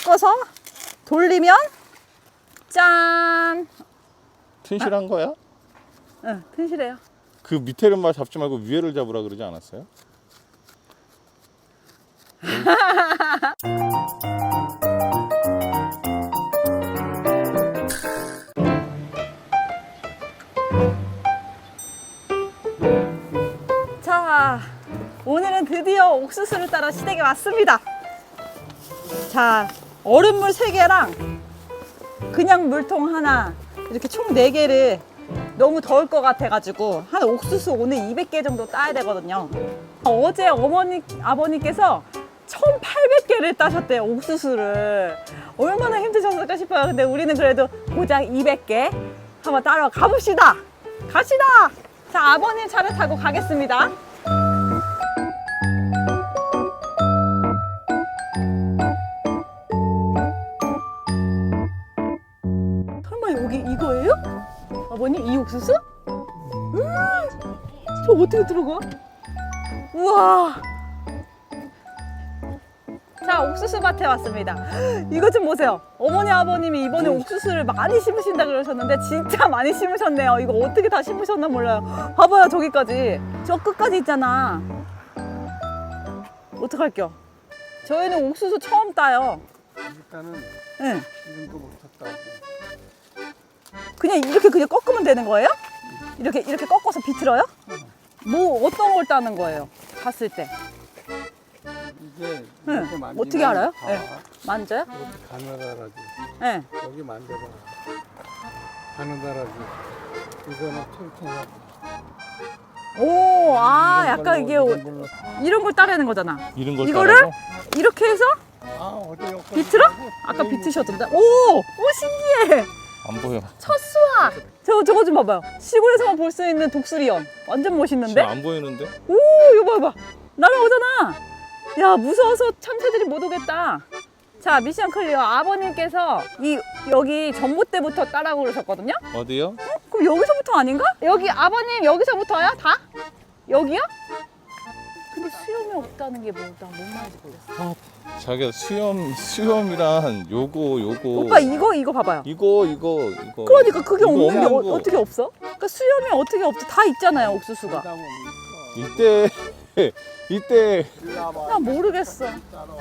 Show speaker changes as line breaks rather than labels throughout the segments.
꺾어서 돌리면 짠!
튼실한 거야?
응, 튼실해요.
그 밑에를 잡지 말고 위에를 잡으라 그러지 않았어요?
자, 오늘은 드디어 옥수수를 따러 시댁에 왔습니다. 자, 얼음물 3개랑 그냥 물통 하나, 이렇게 총 4개를 너무 더울 것 같아가지고 한 옥수수 오늘 200개 정도 따야 되거든요. 어제 아버님께서 1800개를 따셨대요, 옥수수를. 얼마나 힘드셨을까 싶어요. 근데 우리는 그래도 고작 200개 한번 따러 가봅시다. 갑시다. 자, 아버님 차를 타고 가겠습니다. 설마 여기 이거예요? 아버님, 이 옥수수? 저 어떻게 들어가? 우와. 자, 옥수수 밭에 왔습니다. 이것 좀 보세요. 어머니, 아버님이 이번에 옥수수를 많이 심으신다 그러셨는데 진짜 많이 심으셨네요. 이거 어떻게 다 심으셨나 몰라요. 봐봐요, 저기까지. 저 끝까지 있잖아. 어떡할게요? 저희는 옥수수 처음 따요.
일단은
응.
지금도 못 탔다고.
그냥 이렇게 그냥 꺾으면 되는 거예요? 이렇게 꺾어서 비틀어요? 뭐 어떤 걸 따는 거예요? 봤을 때.
이게
응.
이렇게 만지면
어떻게 알아요?
다
네. 만져요?
이렇게 가느다라지.
네.
여기 만져봐. 가느다라지. 이거는 퉁퉁하고.
오, 아, 약간 이게 이런 걸 따르는 거잖아.
이런 걸
이거를
따라서?
이렇게 해서
아, 어디 여기까지
비틀어?
가고
아까
여기
비트셨던데. 오, 신기해.
안 보여.
첫 수확. 저거 좀 봐봐요. 시골에서만 볼 수 있는 독수리연. 완전 멋있는데?
진짜 안 보이는데?
오, 이거 봐봐. 날아오잖아. 야, 무서워서 참새들이 못 오겠다. 자, 미션 클리어. 아버님께서 여기 전봇대부터 따라고 그러셨거든요?
어디요?
그럼 여기서부터 아닌가? 여기 아버님 여기서부터야? 다? 여기요? 근데 수염이 없다는 게 뭔 말인지 모르겠어.
자기야, 수염이란 요거.
오빠 이거 봐봐요.
이거.
그러니까 그게
이거
없는 게
없는 거.
어떻게 없어? 그러니까 수염이 어떻게 없어? 다 있잖아요, 옥수수가.
따다 보면 있어.
이때
일로 와봐.
나 모르겠어.
따라와봐.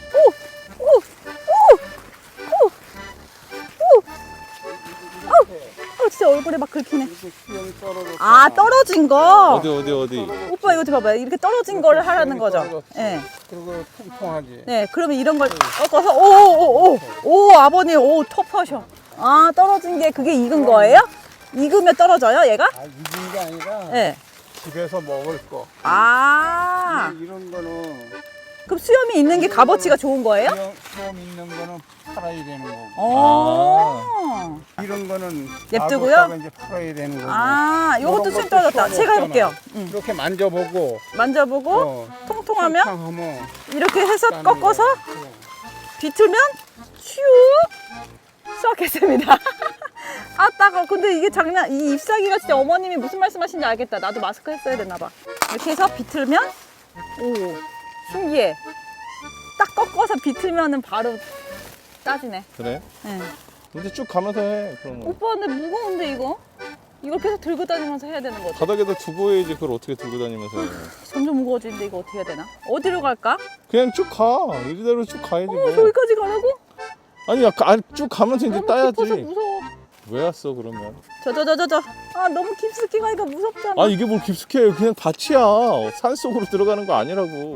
진짜 얼굴에 막 긁히네.
이렇게 수영이 떨어졌어.
아, 떨어진 거.
어디?
오빠 이거 좀 봐봐요. 이렇게 떨어진 거를 하라는 거죠. 예.
그리고 통통하지.
네, 그러면 이런 걸 꺾어서 아버님 톱하셔. 아, 떨어진 게 그게 익은 거예요? 익으면 떨어져요, 얘가?
아, 익은 게 아니라
네.
집에서 먹을 거.
아,
이런 거는
그럼 수염이 있는 게 값어치가 좋은 거예요?
수염 있는 거는 팔아야 되는 거고.
어.
이런 거는
냅두고요?
놔뒀다가 이제 팔아야 되는 거고.
아, 요것도
이런
수염
것도
떨어졌다.
수염이
제가
없잖아.
해볼게요.
이렇게 만져보고
만져보고 통통하면
통통하면
이렇게 해서
따는
꺾어서
거야.
비틀면 슉 수확했습니다. 아, 따가워. 근데 이게 이 잎사귀가 진짜 어머님이 무슨 말씀하시는지 알겠다. 나도 마스크 했어야 되나 봐. 이렇게 해서 비틀면 오, 신기해. 딱 꺾어서 비틀면은 바로 따지네.
그래?
네.
근데 쭉 가면서 해. 그런 거.
오빠 근데 무거운데 이거? 이걸 계속 들고 다니면서 해야 되는 거지.
바닥에다 두고 해야지. 그걸 어떻게 들고 다니면서 해.
점점 무거워지는데 이거 어떻게 해야 되나? 어디로 갈까?
그냥 쭉 가. 이대로 쭉 가야지. 뭐.
저기까지 가라고?
아니, 쭉 가면서 이제
너무
따야지.
깊어서 무서워.
왜 왔어 그러면?
아, 너무 깊숙이 가니까 무섭잖아.
아, 이게 뭘 깊숙이 해요. 그냥 밭이야. 산 속으로 들어가는 거 아니라고.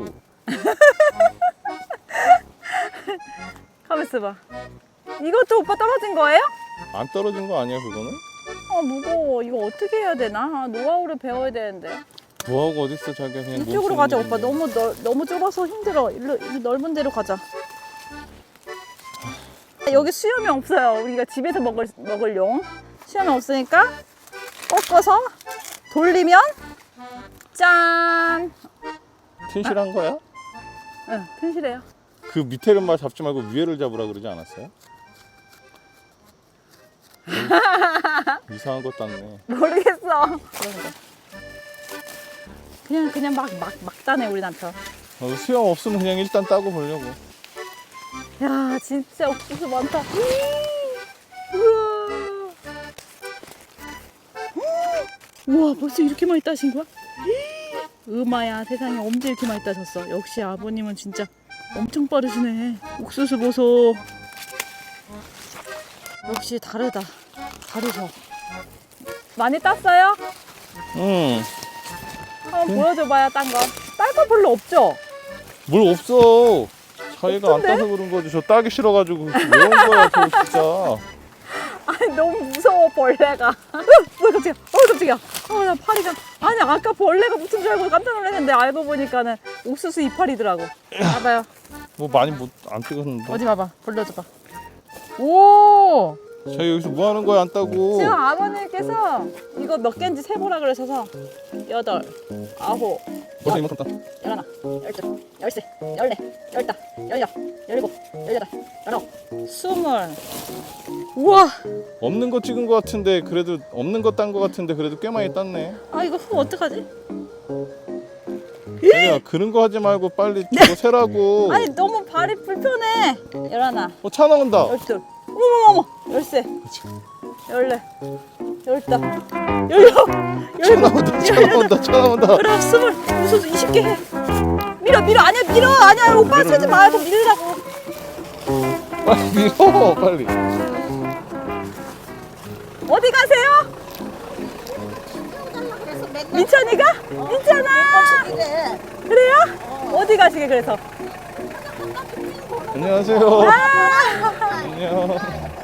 가만 있어봐. 이것도 오빠 떨어진 거예요?
안 떨어진 거 아니야 그거는?
아, 무거워. 이거 어떻게 해야 되나? 아, 노하우를 배워야 되는데.
뭐하고 어딨어 자기가 그냥
이쪽으로 가자, 오빠. 너무 좁아서 힘들어. 일로 넓은 데로 가자. 여기 수염이 없어요. 우리가 집에서 먹을 용. 수염이 없으니까 꺾어서 돌리면 짠!
튼실한 거야?
응, 튼실해요.
그 밑에를 잡지 말고 위에를 잡으라 그러지 않았어요? 이상한 거 땄네.
모르겠어. 그냥 막 따네, 우리 남편.
수염 없으면 그냥 일단 따고 보려고.
야, 와 진짜 옥수수 많다. 우와. 우와 벌써 이렇게 많이 따신 거야? 음아야 세상에 언제 이렇게 많이 따셨어? 역시 아버님은 진짜 엄청 빠르시네. 옥수수 보소. 역시 다르다. 다르셔. 많이 땄어요?
응.
한번 보여줘봐요 딴 거. 딸 거 별로 없죠?
뭘 없어. 자기가 안
없던데?
따서 그런 거지. 저 따기 싫어가지고 왜 온 거야, 저 진짜.
아니 너무 무서워 벌레가. 뭐야 깜짝이야. 깜짝이야. 나 파리가. 아니 아까 벌레가 붙은 줄 알고 깜짝 놀랐는데 알고 보니까는 옥수수 이파리더라고. 봐봐요.
뭐 많이 안 찍었는데.
어디 봐봐. 벌려줘봐. 오.
자기 여기서 뭐 하는 거야, 안 따고.
지금 아버님께서 이거 몇 개인지 세보라 그러셔서 8, 9,
벌써 이만큼 따.
11, 12, 13, 14, 15, 16, 17, 18, 19, 20. 우와.
없는 거 찍은 거 같은데 그래도 없는 거 딴 거 같은데 그래도 꽤 많이 땄네.
아 이거 후 어떡하지?
자기야 그런 거 하지 말고 빨리 저거 세라고.
아니 너무 발이 불편해. 11,
차 나온다.
12, 어머머머 13, 14, 15, 16,
차 나온다. 차 나온다.
그래 20, 무슨 20개 해. 밀어 아니야 오빠 세지 마요. 더 밀으라고.
빨리 밀어 빨리.
어디 가세요? 민찬이가? 민찬아! 그래요? 어디 가시게 그래서?
안녕하세요.
아!
안녕.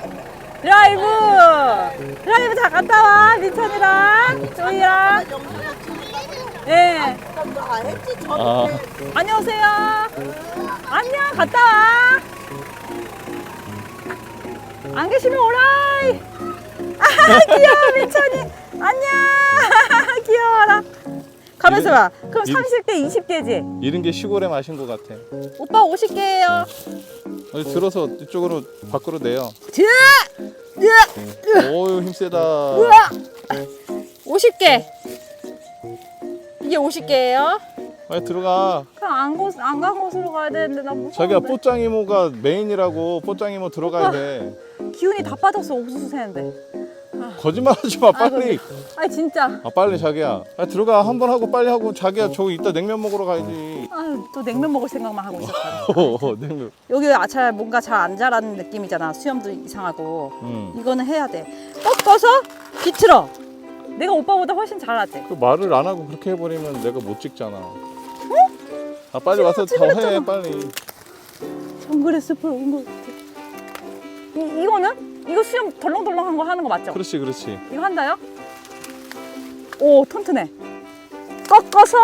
드라이브 잘 갔다 와 민찬이랑 조이랑. 네.
아,
안녕하세요. 안녕 갔다 와. 안 계시면 오라이. 아 귀여워 민찬이. 안녕. 귀여워라. 가면서 봐. 그럼 30개 20개지?
이런 게 시골에 마신 거 같아.
오빠 50개예요.
어디 들어서 이쪽으로 밖으로 내요. 오유 힘세다.
우와! 50개. 이게 50개예요.
빨리 들어가.
그럼 안 간 곳으로 가야 되는데 나 무서운데.
자기야 뽀짱 이모가 메인이라고. 뽀짱 이모 들어가야 돼.
기운이 다 빠졌어 옥수수 새는데.
거짓말하지 마 빨리.
아니 진짜.
아 빨리 자기야. 아 들어가 한 번 하고 빨리 하고 자기야 저기 이따 냉면 먹으러 가야지.
아유 또 냉면 먹을 생각만 하고 있었다.
냉면.
여기 잘 뭔가 잘 안 자라는 느낌이잖아. 수염도 이상하고.
응.
이거는 해야 돼. 꺾어서 비틀어. 내가 오빠보다 훨씬 잘하지.
그 말을 안 하고 그렇게 해버리면 내가 못 찍잖아. 아 빨리 와서 더 해 빨리.
정글의 숲을 온 것 같아. 이거는? 이거 수염 덜렁덜렁한 거 하는 거 맞죠?
그렇지 그렇지.
이거 한다요? 오 튼튼해. 꺾어서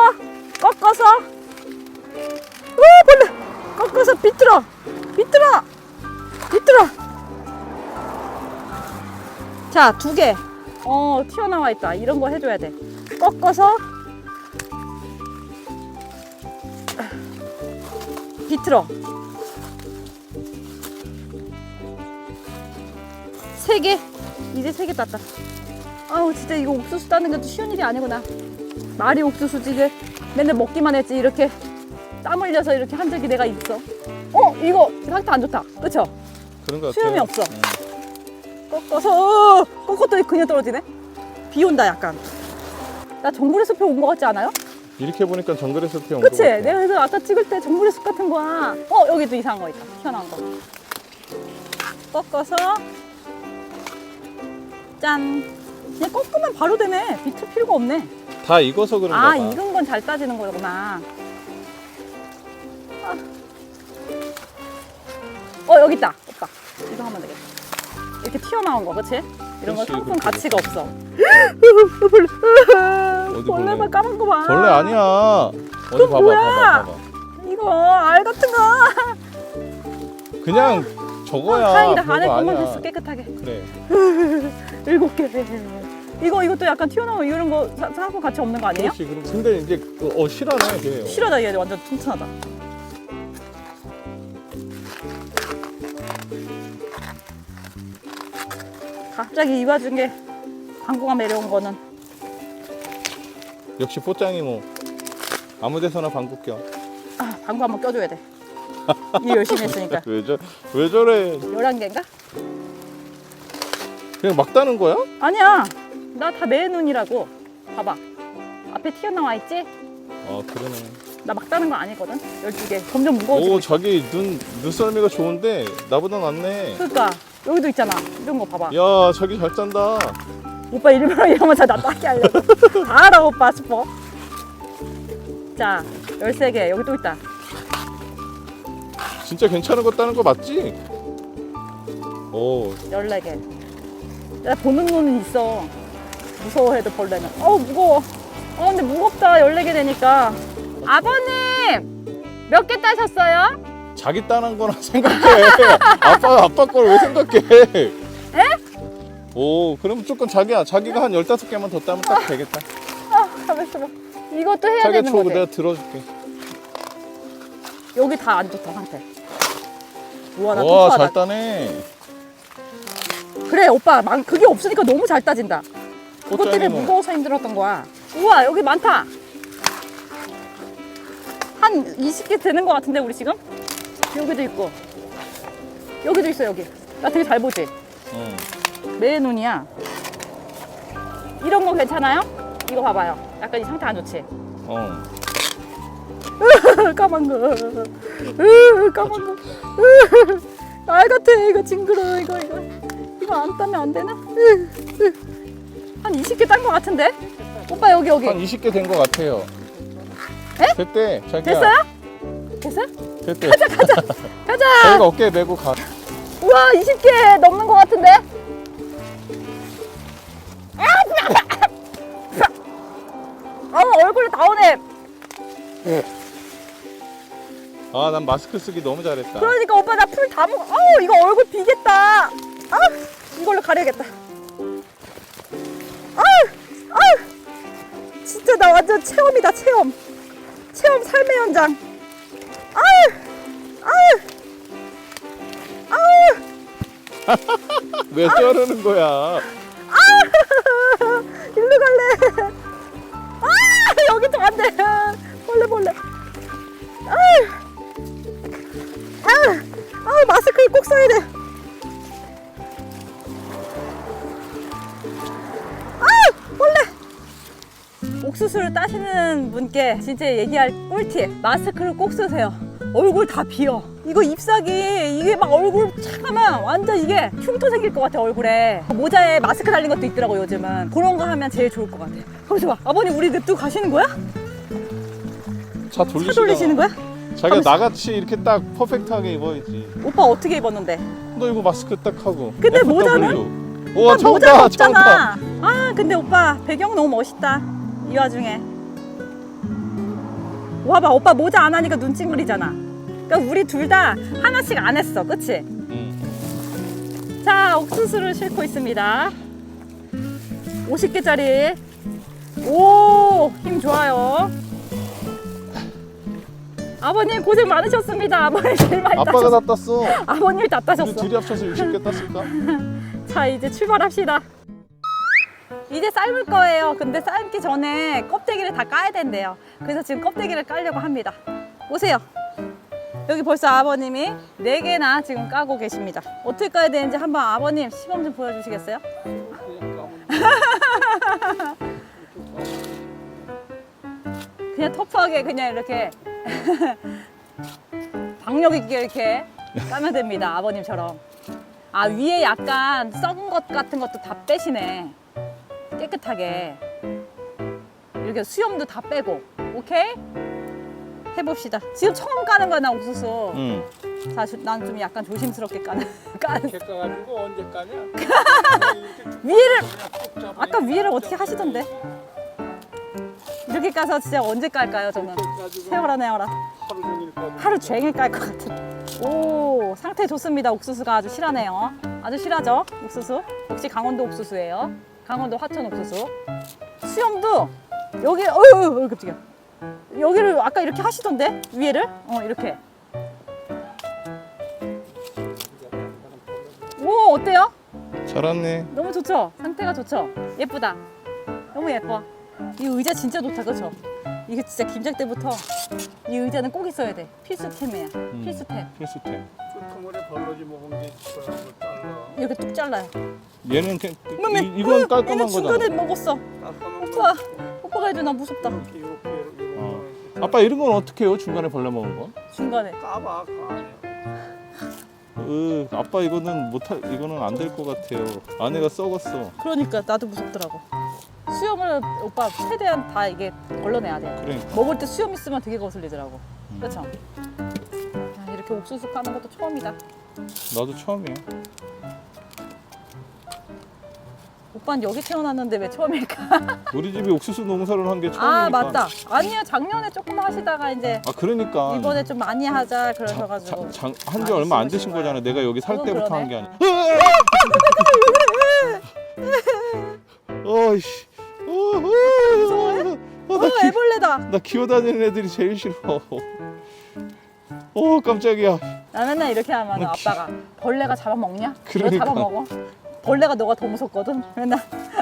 오 벌레 꺾어서 비틀어 자 2개 튀어나와 있다. 이런 거 해줘야 돼. 꺾어서 비틀어 3개. 이제 3개 땄다. 아우 진짜 이거 옥수수 따는 것도 쉬운 일이 아니구나. 말이 옥수수지 이게 맨날 먹기만 했지 이렇게 땀 흘려서 이렇게 한 적이 내가 있어. 이거 상태 안 좋다. 그쵸?
그런 거 같아.
수염이 없어. 꺾었더니 그냥 떨어지네. 비 온다 약간. 나 정글의 숲에 온 거 같지 않아요?
이렇게 보니까 정글의 숲에 온 거
그치?
같아.
내가 그래서 아까 찍을 때 정글의 숲 같은 거야. 여기도 이상한 거 있다. 튀어나온 거. 꺾어서 짠. 그냥 꺾으면 바로 되네. 비틀 필요가 없네.
다 익어서 그런가 봐.
익은 건 잘 따지는 거구나. 여기 있다. 오빠. 이거 하면 되겠다. 이렇게 튀어나온 거, 그치? 이런 거
그렇지,
상품
그렇지,
가치가 없어.
어디
벌레 봐,
벌레?
까만 거 봐.
벌레 아니야. 어디
그럼
봐봐,
뭐야?
봐봐.
이거 알 같은 거.
그냥 저거야.
다행이다.
별거
안에 것만
아니야.
됐어, 깨끗하게.
그래.
7개. 이것도 약간 튀어나오면 이런 거 상품 가치 없는 거 아니에요?
그렇지. 근데 이제 실하네, 걔.
실하다, 얘 완전 튼튼하다. 갑자기 이 와중에 광고가 내려온 거는
역시 뽀짱이 뭐 아무 데서나 방귀 껴.
방구 한번 껴줘야 돼. 일 열심히 했으니까.
왜 저래?
11개인가?
그냥 막 따는 거야?
아니야. 나 다 내 눈이라고. 봐봐. 앞에 튀어나와 있지?
아 그러네.
나 막 따는 거 아니거든. 12개. 점점 무거워지고.
오
있어.
자기 눈썰미가 좋은데 나보다 낫네.
그러니까 여기도 있잖아. 이런 거 봐봐.
야 자기 잘 짠다.
오빠 일부러 이러면서 나 따게 하려고. 다 알아 오빠 싶어. 자 13개. 여기 또 있다.
진짜 괜찮은 거 따는 거 맞지? 오
14개. 나 보는 눈은 있어. 무서워해도 벌레는. 무거워. 근데 무겁다. 14개 되니까. 아버님 몇 개 따셨어요?
자기 따는 거나 생각해. 아빠 걸 왜 생각해?
에?
오 그럼 조금 자기가 한 15개만 더 따면 딱 되겠다.
가만있어 봐. 이것도 해야
자기가
되는
줘
거지.
내가 들어줄게.
여기 다 안 좋다 상태. 우와 나
와
똑똑하다.
잘 따네.
그래 오빠 그게 없으니까 너무 잘 따진다. 그것 때문에
꽃장이 뭐.
무거워서 힘들었던 거야. 우와 여기 많다. 한 20개 되는 거 같은데 우리 지금? 여기도 있고 여기도 있어 여기. 나 되게 잘 보지?
응.
내 눈이야. 이런 거 괜찮아요? 이거 봐봐요. 약간 이 상태 안 좋지?
어.
까만 거. 까만 거. 알 같아. 이거 징그러. 이거 안 따면 안 되나? 한 20개 딴 거 같은데? 오빠 여기.
한 20개 된 거 같아요.
에?
됐대 자기야.
됐어요? 됐어요?
됐대.
가자.
자기가 어깨에 메고 가.
우와 20개 넘는 거 같은데? 얼굴에 다 오네.
아 난 마스크 쓰기 너무 잘했다.
그러니까 오빠 나 풀 다 먹어. 이거 얼굴 비겠다. 이걸로 가려야겠다. 진짜 나 완전 체험이다 체험. 체험 삶의 현장.
왜 저러는 거야?
일로 갈래. 여기도 안 돼. 벌레. 마스크를 꼭 써야 돼. 벌레. 옥수수를 따시는 분께 진짜 얘기할 꿀팁. 마스크를 꼭 쓰세요. 얼굴 다 비어. 이거 잎사귀 이게 막 얼굴 착 하면 완전 이게 흉터 생길 것 같아 얼굴에. 모자에 마스크 달린 것도 있더라고 요즘은. 그런 거 하면 제일 좋을 것 같아. 거기서 봐. 아버님 우리 냅두고 가시는 거야?
차
차 돌리시는 거야?
자기가
가만있어.
나같이 이렇게 딱 퍼펙트하게 입어야지.
오빠 어떻게 입었는데?
너 이거 마스크 딱 하고.
근데
FW.
모자는?
우와
오빠 모자가
처음다.
없잖아. 근데 오빠 배경 너무 멋있다. 이 와중에. 와봐 오빠 모자 안 하니까 눈 찡그리잖아. 그러니까 우리 둘 다 하나씩 안 했어. 그치?
응.
자 옥수수를 싣고 있습니다. 50개짜리. 오 힘 좋아요. 아버님 고생 많으셨습니다. 아버님 제일 많이
아빠가
따셨어.
다 땄어.
아버님이 다
우리
따셨어.
둘이 합쳐서 60개 땄을까?
자 이제 출발합시다. 이제 삶을 거예요. 근데 삶기 전에 껍데기를 다 까야 된대요. 그래서 지금 껍데기를 깔려고 합니다. 오세요. 여기 벌써 아버님이 4개나 지금 까고 계십니다. 어떻게 까야 되는지 한번 아버님 시범 좀 보여주시겠어요? 그냥 터프하게 그냥 이렇게 박력 있게 이렇게 까면 됩니다. 아버님처럼. 위에 약간 썩은 것 같은 것도 다 빼시네. 깨끗하게. 이렇게 수염도 다 빼고. 오케이? 해봅시다. 지금 처음 까는 거야, 나 옥수수.
응.
자, 난 좀 약간 조심스럽게 까는.
이렇게 까가지고 언제 까냐?
위에를, 아까 위에를 어떻게 하시던데? 이렇게 까서 진짜 언제 깔까요, 저는? 세워라, 내워라.
하루 종일 까고.
하루 종일 깔 것 같은. 오, 상태 좋습니다. 옥수수가 아주 실하네요. 아주 실하죠, 옥수수? 역시 강원도 옥수수예요. 강원도 화천 옥수수. 수염도 여기, 깜짝이야. 여기를 아까 이렇게 하시던데? 위에를? 이렇게. 오, 어때요?
잘했네.
너무 좋죠? 상태가 좋죠? 예쁘다. 너무 예뻐. 이 의자 진짜 좋다, 그쵸? 이게 진짜 김장 때부터 이 의자는 꼭 있어야 돼. 필수템이야. 필수템.
필수템.
끄트머리 벌러지 먹은 게 그런 거 잘라.
이렇게 뚝 잘라요.
얘는
얘는
이건 깔끔한
중간에
거잖아.
먹었어.
깔끔한
오빠, 오빠가 해줘. 나 무섭다.
이렇게
어. 아빠 이런 건 어떻게 해요? 중간에 벌레 먹은 건?
중간에.
까봐 그 안에.
아빠 이거는 이거는 안 될 것 같아요. 안에가 썩었어.
그러니까 나도 무섭더라고. 수염을 오빠 최대한 다 이게 걸러내야 돼.
그러니까.
먹을 때 수염 있으면 되게 거슬리더라고. 그렇죠? 이렇게 옥수수 까는 것도 처음이다.
나도 처음이야.
오빠는 여기 태어났는데 왜 처음일까?
우리 집이 옥수수 농사를 한 게 처음이니까.
아 맞다. 아니요 작년에 조금 하시다가 이제
아 그러니까.
이번에 좀 많이 하자 그러셔가지고.
한지 얼마 안 되신
거야.
거잖아. 내가 여기 살
그건
때부터
그러네.
한 게 아니야. 어이씨.
무서워해? 애벌레다.
나 기어다니는 애들이 제일 싫어. 깜짝이야.
나 맨날 이렇게 하면 아빠가 벌레가 잡아먹냐? 너
그러니까.
잡아먹어? 벌레가 너가 더 무섭거든. 맨날.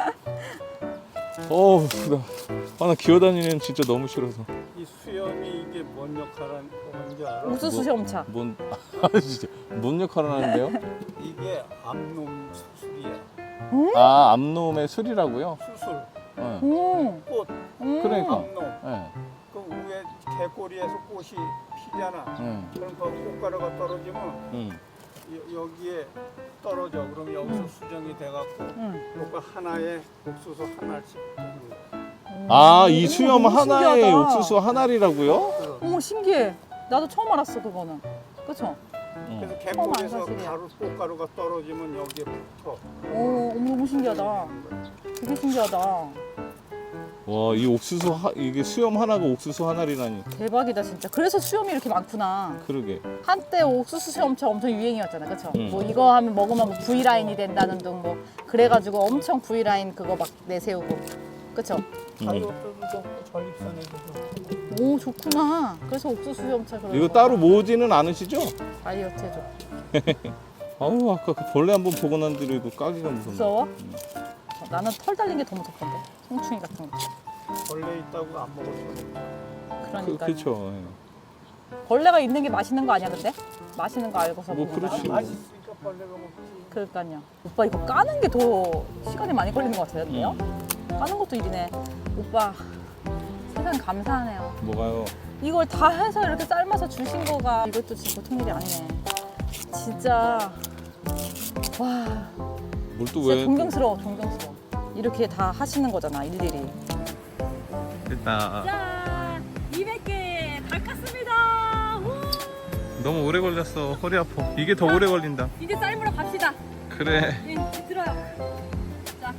나 기어다니는 진짜 너무 싫어서.
이 수염이 이게 뭔 역할을 하는지 알아?
옥수수 시험차.
진짜 뭔 역할을 하는데요?
이게 암놈 수술이야.
아 암놈의 술이라고요?
수술.
음.
꽃.
그러니까.
암놈.
네.
그 위에 개꼬리에서 꽃이 피잖아. 그럼 그 꽃가루가 떨어지면 여기에 떨어져. 그럼 여기서 수정이 돼갖고 요거 하나에 옥수수 하나씩 주는 거야.
이 수염
너무
하나에
신기하다.
옥수수 하나리라고요?
어머 신기해. 나도 처음 알았어 그거는. 그쵸?
그래서
처음 안
개꼬리에서
사실이야.
꽃가루가 떨어지면 여기에 붙어.
어머 너무 신기하다. 되게 신기하다.
와, 이 이게 수염 하나가 옥수수 하나리라니.
대박이다 진짜. 그래서 수염이 이렇게 많구나.
그러게.
한때 옥수수 수염차 엄청 유행이었잖아, 그쵸? 뭐 이거 하면 먹으면 뭐 V 라인이 된다는 등 뭐 그래가지고 엄청 V 라인 그거 막 내세우고, 그쵸?
다이어트도 좋고 전립선에도 좋고.
오 좋구나. 그래서 옥수수 수염차 그런
이거
거.
따로 모으지는 않으시죠?
다이어트 해줘.
아우, 아까 그 벌레 한번 보고 난 뒤로 이거 까기가 무섭네.
무서워? 나는 털 달린 게 더 무섭던데. 송충이 같은 거.
벌레 있다고 안 먹었어.
그러니까.
그렇죠.
벌레가 있는 게 맛있는 거 아니야, 근데? 맛있는 거 알고서
뭐
먹는 거야?
그렇지.
맛있으니까 벌레가 먹지.
그러니까요. 오빠 이거 까는 게 더 시간이 많이 걸리는 것 같은데요? 까는 것도 일이네. 오빠 세상 감사하네요.
뭐가요?
이걸 다 해서 이렇게 삶아서 주신 거가 이것도 진짜 보통 일이 아니네. 진짜 와
뭘 또
진짜
왜?
존경스러워. 이렇게 다 하시는 거잖아 일일이.
됐다.
자 200개 다 깠습니다. 우!
너무 오래 걸렸어. 허리 아파. 이게 더 오래 걸린다.
이제 삶으러 갑시다.
그래.
예, 들어요. 자.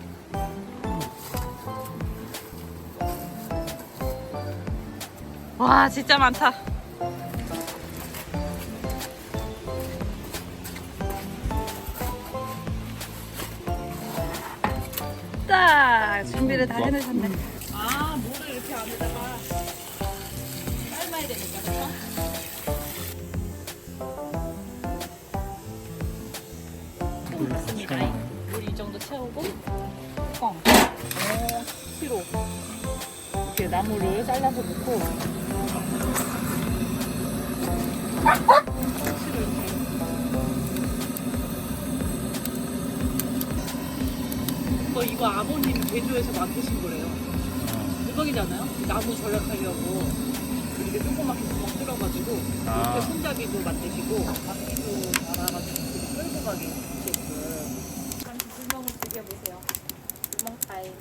와 진짜 많다. 딱 준비를 다 해놓으셨네. 아 물을 이렇게 안에다가 삶아야 되니까 그렇죠? 좀 있습니다. 물 이 정도 채우고 뚜껑 5kg 이렇게 나무를 잘라서 넣고 이거 아버님이 제주에서 만드신 거래요. 대박이잖아요? 나무 절약하려고 이렇게 조그맣게 구멍 뚫어가지고 이렇게 손잡이도 만드시고 바퀴도 달아가지고 끌고 가게 있게끔 잠시 불멍을 즐겨보세요. 불멍 타임.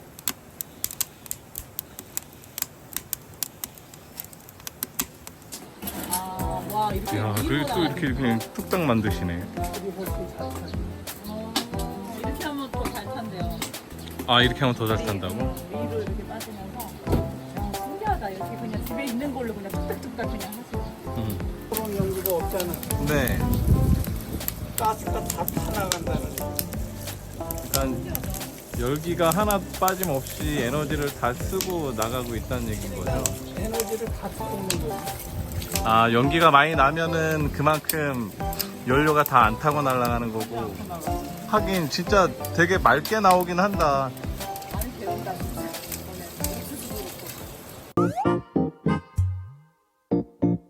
와 이렇게
야, 그리고 또 이렇게 그냥 뚝딱 만드시네.
이렇게 하면 더 잘 탄대요.
아, 이렇게 하면 더 잘 탄다고?
위로 이렇게 빠지면서 신기하다. 이렇게 그냥 집에 있는 걸로 그냥 뚝딱뚝딱 그냥 하시고.
그런 연구가 없잖아.
네.
가스가 다 타나간다는.
그러니까 열기가 하나 빠짐없이 에너지를 다 쓰고 나가고 있다는 얘기인 거죠.
에너지를 다 쏟는 거지.
아, 연기가 많이 나면은 그만큼 연료가 다 안 타고 날아가는 거고. 하긴 진짜 되게 맑게 나오긴 한다.
많이 배운다 진짜.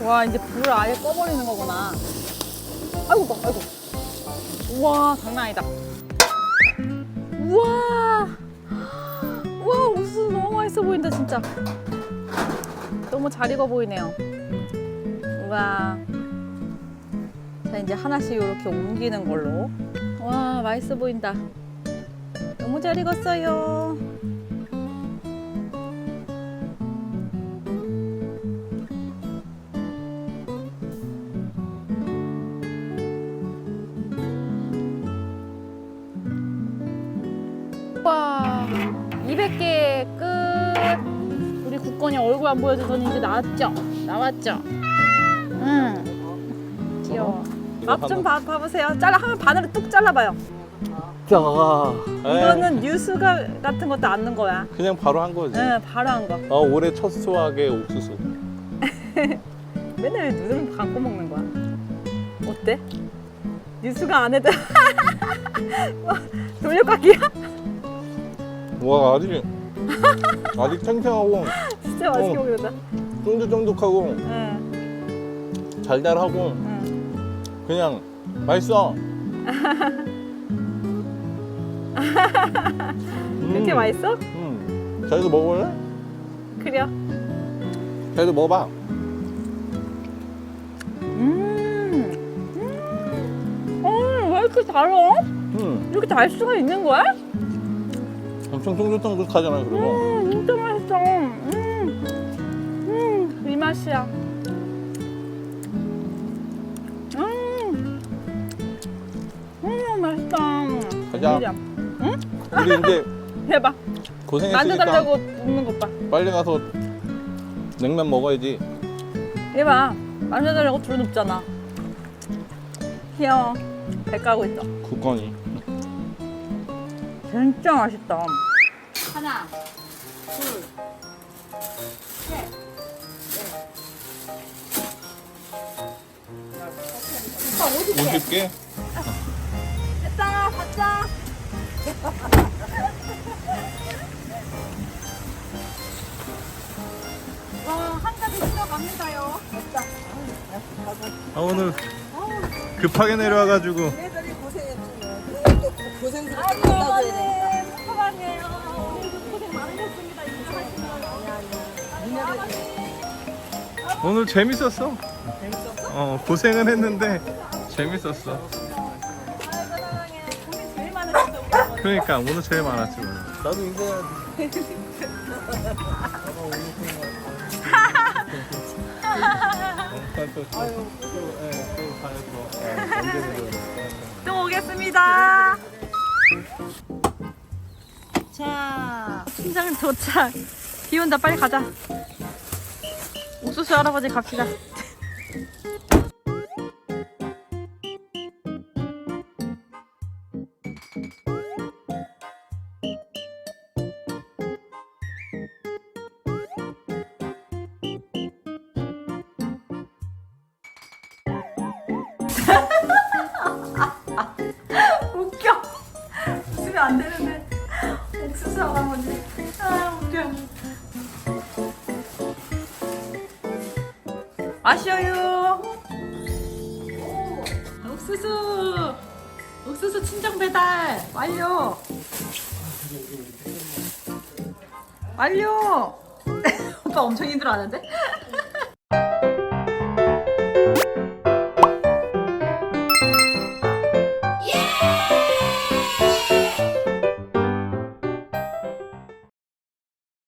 와, 이제 불을 아예 꺼버리는 거구나. 아이고, 아이고. 우와, 장난 아니다. 우와. 우와, 옥수수 너무 맛있어 보인다, 진짜. 너무 잘 익어 보이네요. 우와. 자, 이제 하나씩 이렇게 옮기는 걸로. 와, 맛있어 보인다. 너무 잘 익었어요. 와, 200개 끝. 우리 국건이 얼굴 안 보여줘서는 이제 나왔죠? 나왔죠? 응. 귀여워. 앞 좀 봐보세요. 하면 반으로 뚝 잘라봐요.
자,
이거는 뉴스가 같은 것도 안 넣은 거야.
그냥 바로 한 거지.
응, 바로 한 거.
올해 첫 수확의 옥수수.
맨날 눈을 감고 먹는 거야. 어때? 뉴스가 안 해도 돌려깎기야?
와, 아직 탱탱하고
진짜 맛있게 먹는다.
쫀득쫀득하고
응,
달달하고
응.
그냥 맛있어.
그렇게 맛있어?
자기도 먹어볼래?
그래요.
자기도 먹어봐.
왜 이렇게 달아? 이렇게 달 수가 있는 거야?
엄청 쫀득쫀득하잖아, 그리고.
진짜 맛있어. 이 맛이야. 맛있다.
가자.
응?
우리 이제
해봐.
고생했으니까
만져달라고 먹는 것 봐.
빨리 가서 냉면 먹어야지.
해봐. 만져달라고 둘러눕잖아. 귀여워. 배 까고 있어.
국건이.
진짜 맛있다. 하나, 둘, 셋, 넷.
50개?
됐다, 받자. 와, 한 가지 들어갑니다요. 됐다.
오늘 급하게 내려와가지고.
애들이 고생했지. 고생스럽게
아이고,
끝나줘야
어머니,
되니까.
축하해요. 오늘도 고생 많으셨습니다. 인사하시느라고.
오늘 재밌었어.
재밌었어?
고생은 했는데 재밌었어.
아이고, 사랑해. 고생 제일 많으셨어, 우리 어머니.
그러니까 오늘 제일 많았지 오늘. 나도 인사해야지.
또 오겠습니다. 자, 팀장 도착. 비 온다, 빨리 가자. 옥수수 할아버지 갑시다. 웃겨. 웃으면 안 되는데. 옥수수 할아버지. 아, 웃겨. 아쉬워요. 옥수수. 옥수수 친정 배달 완료. 완료. 오빠 엄청 힘들어하는데?